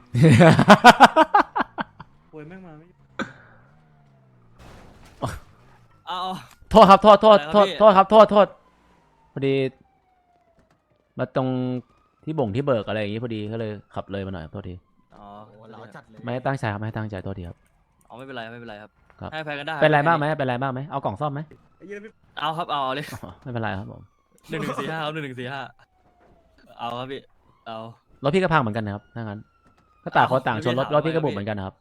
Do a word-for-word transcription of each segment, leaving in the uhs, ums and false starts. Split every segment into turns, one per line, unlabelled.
โวยแม่งมาไม่
เอา
โทษครับโทษโทษ
อะไร
โท
ครับ
ษ
พี่
โทษครับโทษโทษพอดีมาตรงที่บ่งที่เบิกอะไรอย่างงี้พอดีก็เลยขับเลยมาหน่อยครับโทษที
อ๋อ
เราจัดเลย
ไม่ได้ตั้งใจครับไม่ได้ตั้งใจโทษทีครับ
เอาไม่เป็นไรไม่เป็นไรครับ
ครับ
ให้แพ้กันได้
เป็นไรบ้างไหมเป็นไรบ้างไหมเอากล่องซ่อมไหม
เอาครับเอาเอาเลย
อ๋อไม่เป็นไรครับผม
หนึ่งหนึ่งสี่ห้าครับหนึ่งหนึ่งสี่ห้าเอาครับพี่เอา
รถพี่ก็พังเหมือนกันนะครับถ้างั้นก็ต่างคนต่างชนรถ
เอา
รถพี่ก็
ไม่
บุบเหมือนกันนะครับ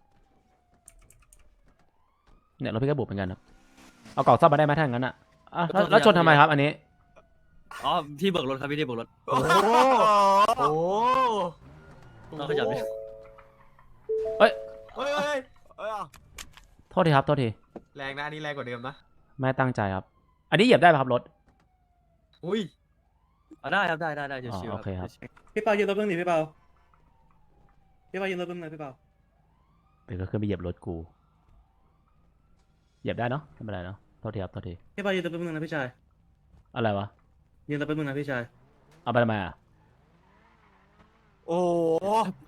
เนี่ยรถพี่ก็บุบเหมือนกันครับเอากล่องซ่อมมาได้ไหมถ้างั้นอ่ะอ่ะแล้วแล้วชนทำไมครับ อันนี้
อ๋อที่เบิกรถครับพี่ที่เบิกรถ
โอ้โหโอ้โห
ต้องขยับดิ
เอ้ย
เฮ้ยเฮ้ยเฮ้ย
โทษทีครับโทษที
แรงนะอันนี่แรงกว่าเดิมนะ
ไม่ได้ตั้งใจครับ อันนี้เหยียบได้ไหมครับรถ
อุ้ย
เอาได้ครับได้ได้ได้
อ๋อ
ชิวๆ
โอเคครับ
พี่เปายืนรถเบื้องหนีพี่เปาพี่เปายืนรถเบื้องเลยพี่เปา
เดี๋ยวก็ขึ้นไปเหยียบรถกูเหยียบได้เนาะไม่เป็นไรเนาะโทษทีครับโทษที
พี่เปายืนรถเบื้องนึงนะพี่ชาย
อะไรวะ
ยืนรถเบื้องนึงนะพี่ชาย
เอาไปทำไมอ่ะ
โอ้โห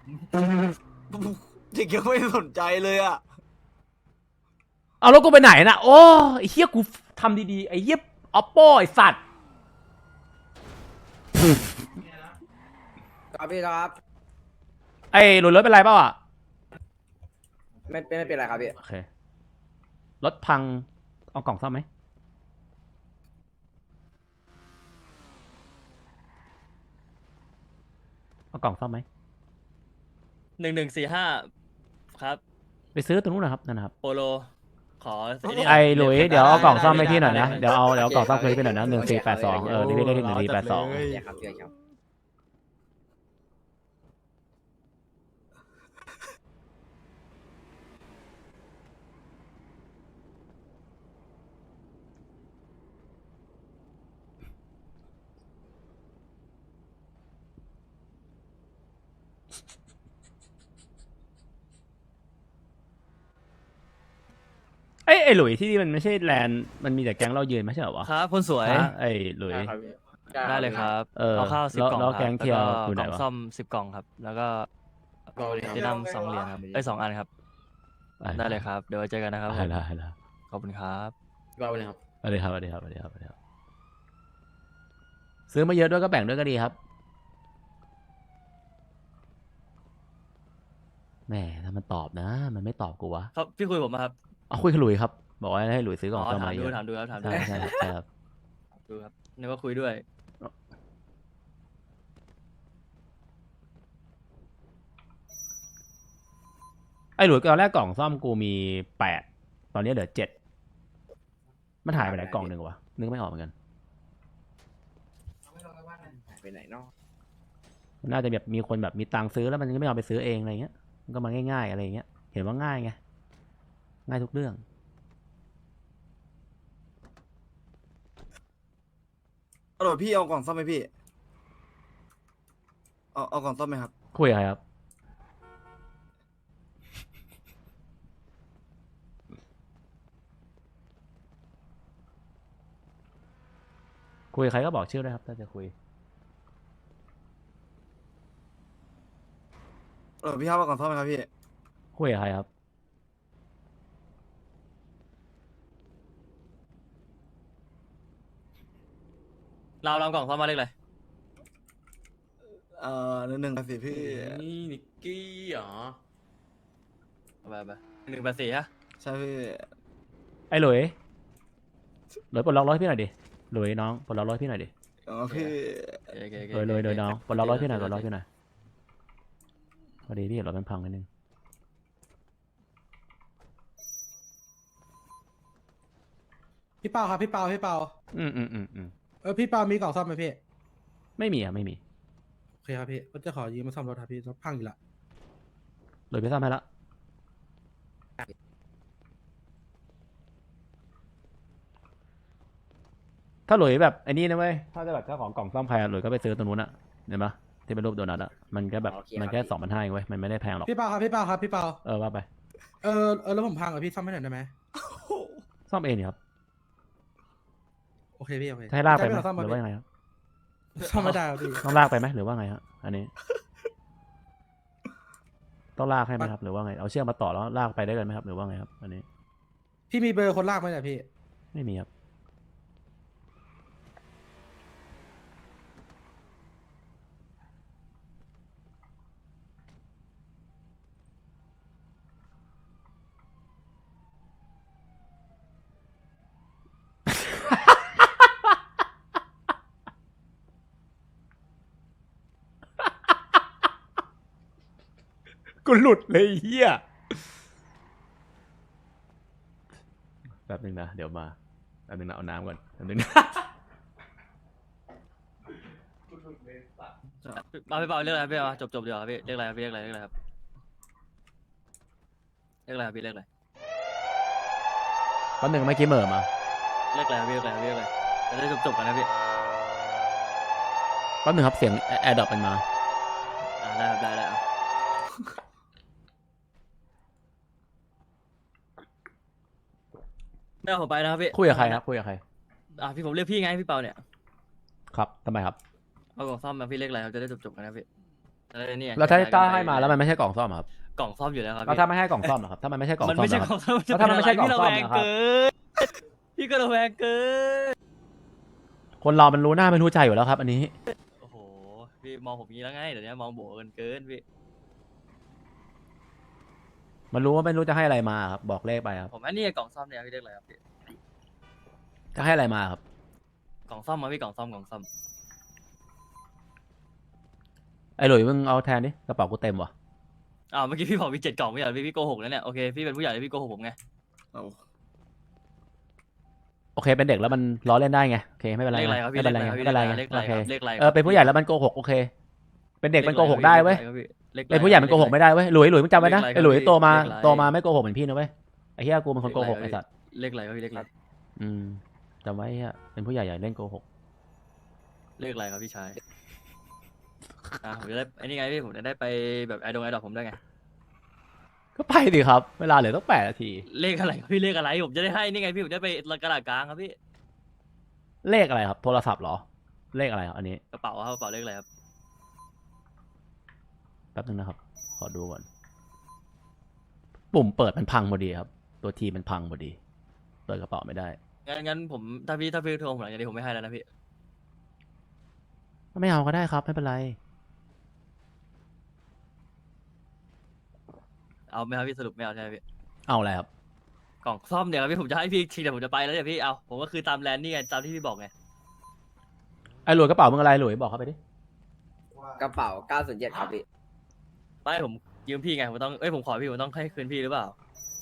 เด็กยังไม่สนใจเลยอ่ะ
เอารถกูไปไหนน่ะโอ้ไอ้เหี้ยกูทำดีๆไอ้เหี้ยออปโป้ไอ้สัตว์
ครับพี่ครับ
ไอ้หลุดรถเป็นไรเปล่าอ่ะ
ไม่ไม่ไม่เป็นไรครับพี่
โอเครถพังเอากล่องซ่อมไหมเอากล่องซ่อมไหม
หนึ่งหนึ่งสี่ห้าครับ
ไปซื้อตรงนู้นนะครับนั่นนะครับ
โปโลขอนี่
ไอ้หลุยเดี๋ยวเอากล่องซ่อมให้พี่หน่อยนะ
ได้ได้
เดี๋ยวเอาเดี๋ยวเอากล่องซ่อมคืนให้พี่หน่อยนะหนึ่งสี่แปดสองเออนี่พี่ได้ที่หนึ่งสี่แปดสอง
เฮ้ย
เดี๋ยวครับเดี๋ยวครับ
เอ้ยไอ้หลุยที่นี่มันไม่ใช่แลนด์มันมีแต่แก๊งเรายืนไม่ใช่เหรอวะ
ครับคนสวย
ฮะไอ้หลุย
ได้เลยครับ
เออ
เอาข้าวสิบ
แล้ว
กล่อง
แล้ว
ครับ
แกงเทียร์
แล้ว
อยู่ไหน
ก็กล่อง
วะ
ซ่อมสิบกล่องครับ แล้วก็เจนัมสองเหรียญครับไอ้ยสองอันครับ ได้เลยครับ เดี๋ยวไว้เจอกันนะครับผม
ได้ได้ได้
ขอบคุณครับ
ก็เลยครับ
สวัสดีครับสวัสดีครับสวัสดีครับสวัสดีครับซื้อมาเยอะด้วยก็แบ่งด้วยก็ดีครับแหมถ้ามันตอบนะ มันไม่ตอบกูวะ
ครับพี่คุยผมมาครับ
เอาคุยกับหลุยครับบอกว่าให้หลุยซื้อกล่
อ๋
อง
อ
ซ่อม
ถาม
มาเย
ดู
อะ
ถามดูครับถามดู
ใช่ใช่ใช่ครับ
ดูครับนึกว่าคุยด้วย
ไอ้หลุยตอนแรกกล่องซ่อมกูมีแปดตอนนี้เหลือเจ็ดมันหายไปไหนกล่องหนึ่งวะนึกไม่ออกเหมือนกัน
ไปไหนเนาะ
มันน่าจะแบบมีคนแบบมีตังค์ซื้อแล้วมันก็ไม่ยอมไปซื้อเองอะไรเงี้ยมันก็มาง่ายๆอะไรเงี้ยเห็นว่าง่ายไงง่ายทุกเรื่อง
เอาเดี๋ยวพี่เอากล่องซ่อมไหมพี่ เอาเอากล่องซ่อมไหมครับ
คุยกับใครครับคุยกับใครก็บอกชื่อด้วยครับถ้าจะคุย
เออพี่ครับเอากล่องซ่อมไหมครับพี่
คุยกับใครครับ
เราเรากล่องซ่อมมาเล็กเลย
เอ่อหนึ่งหนึ่งสิพี่
นี่นิกกี้เหรอ
เอาไปไปหนึ่งแปดสี่ฮะ
ใช่พี่
ไอ้หลุยหลุยปลดล็อกร้อยพี่หน่อยดิหลุยน้องปลดล็อกร้อยพี่หน่อยดิ
อ๋อพี่
โอเคโอเค
หลุยหลุยหลุยน้องปลดล็อกร้อยพี่หน่อยปลดล็อกพี่หน่อยพอดีพี่เห็นรถมันพังนิดนึง
พี่เปาครับพี่เปาพี่เปา
อืมอืมอืมอืม
เออพี่เปามีกล่องซ่อมไหมพี่
ไม่มีอ่ะไม่มี
โอเคครับพี่ก็จะขอยืมมาซ่อมรถครับพี่รถพังอยู่ละ
หลุยไปซ่อมให้ละถ้าหลุยแบบไอ้นี่นะเว้ยถ้าจะแบบเจ้าของกล่องซ่อมใครอะหลุยก็ไปซื้อตรงนู้นอะเห็นปะที่เป็นรูปโดนัทอะมันแค่แบบมันแค่สองพันห้าเองเว้ยมันไม่ได้แพงหรอก
พี่เปาครับพี่เปาครับพี่เปา
เออว่าไป
เออเออแล้วผมพังอ่ะพี่ซ่อมให้หน่อยได้ไหม
ซ่อมเองนี่ครับ
โอเคพี่โอเค
ให้ลากไปไหม
ใช่พี่เรซ่อม
หรือว่ายังไงครับ
ซ่อมไม่ได้ครับพี่
ต้องลากไปไหมหรือว่าไงฮะอันนี้ต้องลากให้ไหมครับหรือว่าไงเอาเชือกมาต่อแล้วลากไปได้กันไหมครับหรือว่าไงครับอันนี้
พี่มีเบอร์คนลากไหมเนี่ยพี่
ไม่มีครับกูหลุดเลยเฮียแป๊บนึงนะเดี๋ยวมาแป๊บนึงนะเอาน้ำก่อนแป๊บนึงนะ
มาพี่เปาเรียกอะไรครับพี่เอาจบจบเดี๋ยวครับพี่เรียกอะไรครับพี่เรียกอะไรเรียกอะไรครับเรียกอะไรครับพี่เรียกอะไร
แป๊บนึงเมื่อกี้เหม่อมา
เรียกอะไรครับพี่เรียกอะไรครับพี่เรียกอะไรจะได้จบจบกันนะพี่
แป๊บนึงครับเสียงแอร์ดรอปมันมา
อ่าได้ครับได้ได้เอาไม่เอาผมไปนะครับพี่
คุยกับใครครับคุยกับใคร
อ่าพี่ผมเรียกพี่ไงพี่เปาเนี่ย
ครับทำไมครับ
เอากล่องซ่อมมาพี่เรียกอะไรครับจะได้จบจบกันนะพี่จะได้เนี่ย
แล้วถ้า
ย้ยกัน
ถ้า
ไป
ให้มาแล้วมันไม่ใช่กล่องซ่อมอะครับ
กล่องซ่อมอยู่แล้วครับ
แล้ว
พี่
ถ้าไม่ให้กล่องซ่อมเหรอครับถ้ามันไม่ใช่กล่อง
มัน
ซ่อม
ไม่ใช่
เหรอก
ล่
ค
อ
รับ
งซ่อม
แล้วถ้ามันไม่ใช่กล่องซ่อม
พี่ระแวง
นะครับ
เกินพี่ก็ระแวงเกิน
คนเรามันรู้หน้าไม่รู้ใจอยู่แล้วครับ อันนี้
โอ้โหพี่มองผมอย่างนี้แล้วไงเดี๋ยวนี้มองโบกันเกินพี่
มันรู้ว่าไม่รู้จะให้อะไรมาครับบอกเลขไปครับ
ผมอันนี้กล่องซ่อมเนี่ยพี่เรียกอะไรครับพี่
จะให้อะไรมาครับ
กล่องซ่อมมาพี่กล่องซ่อมกล่องซ่อม
ไอ้หลุยมึงเอาแทนดิกระเป๋ากูเต็มว่ะ
อ้าวเมื่อกี้พี่บอกมีเจ็ดกล่องไม่ใช่เหรอพี่พี่โกหกแล้วเนี่ยโอเคพี่เป็นผู้ใหญ่แล้วพี่โกหกผมไง
เอา
โอเคเป็นเด็กแล้วมันล้อเล่นได้ไงโอเคไม่เป็นไร
เลขอะไรครับพี่
ไม่เป็นไรไงไม่เป็นไรไง
เลขอะไร
โอ
ค
เค
รับเลขอะไร
เออเป็นผู้ใหญ่แล้วมันโกหกโอเค เป็นเด็กมันโกหกได้เว้ย
เลขอะไร
เป็นผู้ใหญ่มันโกหกไม่ได้เว้ยหลุยหลุยมึงจำไว้นะ
เลขอะไร
ไอ้หลุยโตมา
เลขอะไร
โตมาไม่โกหกเหมือนพี่นะเว้ยไอ้เหี้ยกูเป็นคนโกหกไอ้สัตว์
เลขอะไรครับพี่เลขอะไร
อืมจำไว้เหี้ยเป็นผู้ใหญ่อย่าเล่นโกหก
เลขอะไรครับพี่ชายอ่าผมจะได้ไอ้นี่ไงพี่ผมจะได้ไปแบบไอดงไอดอกผมได้ไง
ก็ไปดิครับ เวลาเหลือต้องแปดนาที
เลขอะไรครับพี่เลขอะไรผมจะได้ให้นี่ไงพี่ผมจะได้ไปกระดาษกลางครับพี่
เลขอะไรครับ โทรศัพท์เหรอ เลขอะไรครับอันนี้
กระเป๋าครับกระเป๋าเลขอะไรครับ
แป๊บนึงนะครับ ขอดูก่อน ปุ่มเปิดมันพังพอดีครับ ตัวทีมันพังพอดี เปิดกระเป๋าไม่ได้
งั้นงั้นผมถ้าพี่ถ้าพี่โทรผมหลังจากนี้ผมไม่ให้แล้วนะพี่
ไม่เอาก็ได้ครับไม่เป็นไร
เอาไหมครับพี่สรุปไม่เอาใช่ไหมพี่
เอาอะไรครับ
กล่องซ่อมเดี๋ยวครับพี่ผมจะให้พี่ทีเดี๋ยวผมจะไปแล้วเดี๋ยวพี่เอาผมก็คือตามแลนด์นี่ไงตามที่พี่บอกไง
ไอ้หลุยกระเป๋ามึงอะไรหลุยบอกเขาไปดิ
กระเป๋าเก้าศูนย์เจ็ดครับพี่
ไม่ผมยืมพี่ไงผมต้องเอ้ยผมขอพี่ผมต้องให้คืนพี่หรือเปล่า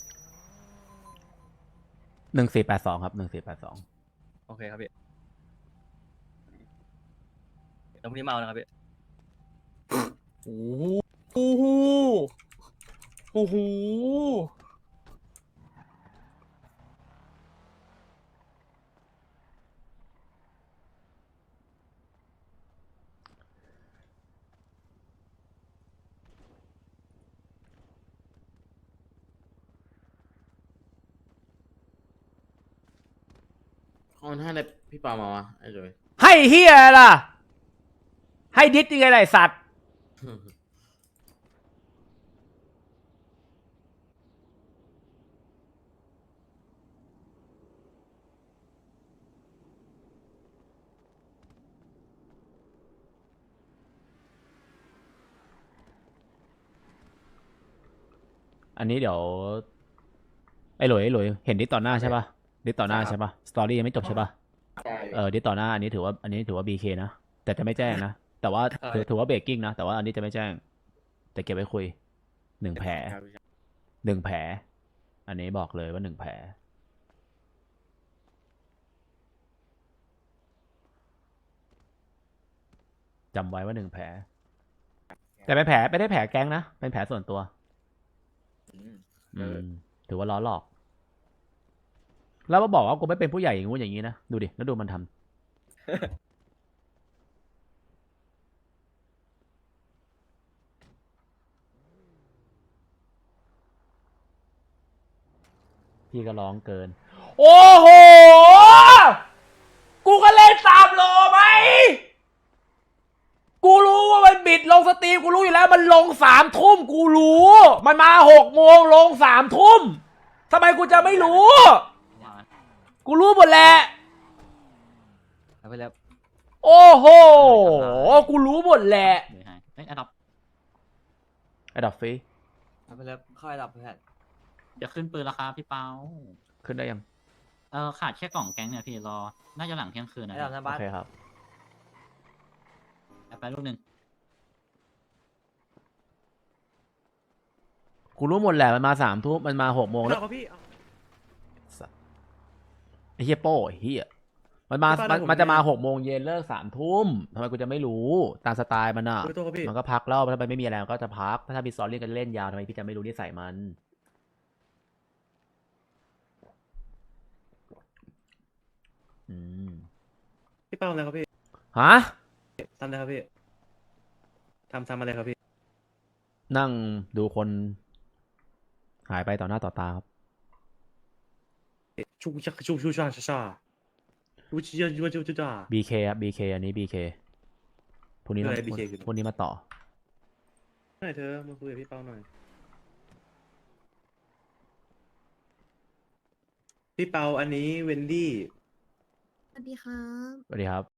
หนึ่งสี่แปดสองครับหนึ่งสี่แปดสอง
โอเคครับพี่แล้วพรุ่งนี้มาเอานะครับพี่โอ้โหโอ้โหโอ้โห
เอามันให้อะไรพี่ปามาวะไอ้เลย
ให้เฮียล่ะ ให้ดิสยังไงล่ะไอ้สัตว์ อันนี้เดี๋ยว ไอ้หลุยไอ้หลุยเห็นดิสต่อหน้าใช่ปะดิสต่อหน้าใช่ปะสตอรี่ยังไม่จบใช่ปะ
ใช่
เออดิสต่อหน้าอันนี้ถือว่าอันนี้ถือว่า บี เค นะ แต่จะไม่แจ้งนะ แต่ว่าถือถือว่าเบรกกิ้งนะ แต่ว่าอันนี้จะไม่แจ้ง แต่เก็บไว้คุยหนึ่งแผลหนึ่งแผล อันนี้บอกเลยว่าหนึ่งแผล จำไว้ว่าหนึ่งแผล แต่เป็นแผลไม่ได้แผลแก๊งนะ เป็นแผลส่วนตัว อืมถือว่าล้อหลอก แล้วมาบอกว่ากูไม่เป็นผู้ใหญ่อย่างงู้นอย่างนี้นะ ดูดิ แล้วดูมันทำพี่ก็ร้องเกิน โอ้โห กูก็เล่นสามโลไหมกูรู้ว่ามันบิดลงสตรีมกูรู้อยู่แล้วมันลงสามทุ่มกูรู้ มันมาหกโมงลงสามทุ่มทำไมกูจะไม่รู้ กูรู้หมดแหละ
เอาไปแล้ว
โอ้โห กูรู้หมดแหละ
เดี๋ยวให้เอ้ยอันดับ
ไอ้ดอกฟรี
เอาไปแล้วค่อยดับเพื่อน
จะขึ้นปืนราคาพี่เปา
ขึ้นได้ยัง
เออขาดแค่กล่องแก๊งเนี่ยพี่รอ น่าจะหลังเที่ยงคืนนะ
ไอ้ดับหน้า
โอ
บ้าน
เคครับ
ไปลูกหนึ่ง
กูรู้หมดแหละมันมาสามทุ่มมันมาหกโมงแล้ว
เอาครับพี่เอา
ไอ้เฮียโป้ไอ้เฮียมันมา
ไม่เป็นไร
มัน
ผม
มันจะมา
ไม่
หกโมงเย็นเลิกสามทุ่มทำไมกูจะไม่รู้ตามสไตล์มันอ่ะ
ขอโทษครับพี่
มันก็พักแล้วถ้ามันไม่มีอะไรมันก็จะพัก ถ้ามีซอรี่กันเล่นยาวทำไมพี่จะไม่รู้นิสัยมัน อืม
พี่เป้าอะไรครับพี่
ฮะ
ทำอะไรครับพี่ทำทำอะไรครับพี่
นั่งดูคนหายไปต่อหน้าต่อตาครับ
ชูชักชูชูชาชาชาชูชิยาชูชูชูชา
บี เค ครับ บี เค อันนี้ บี เค พรุ่งนี้มา
อะไร บี เค คือ
พรุ่งนี้มาต่อ
หน่อยเธอมาคุยกับพี่เป้าหน่อยพี่เปาอันนี้เวนดี้
สวัสดีครับ
สวัสดีครับ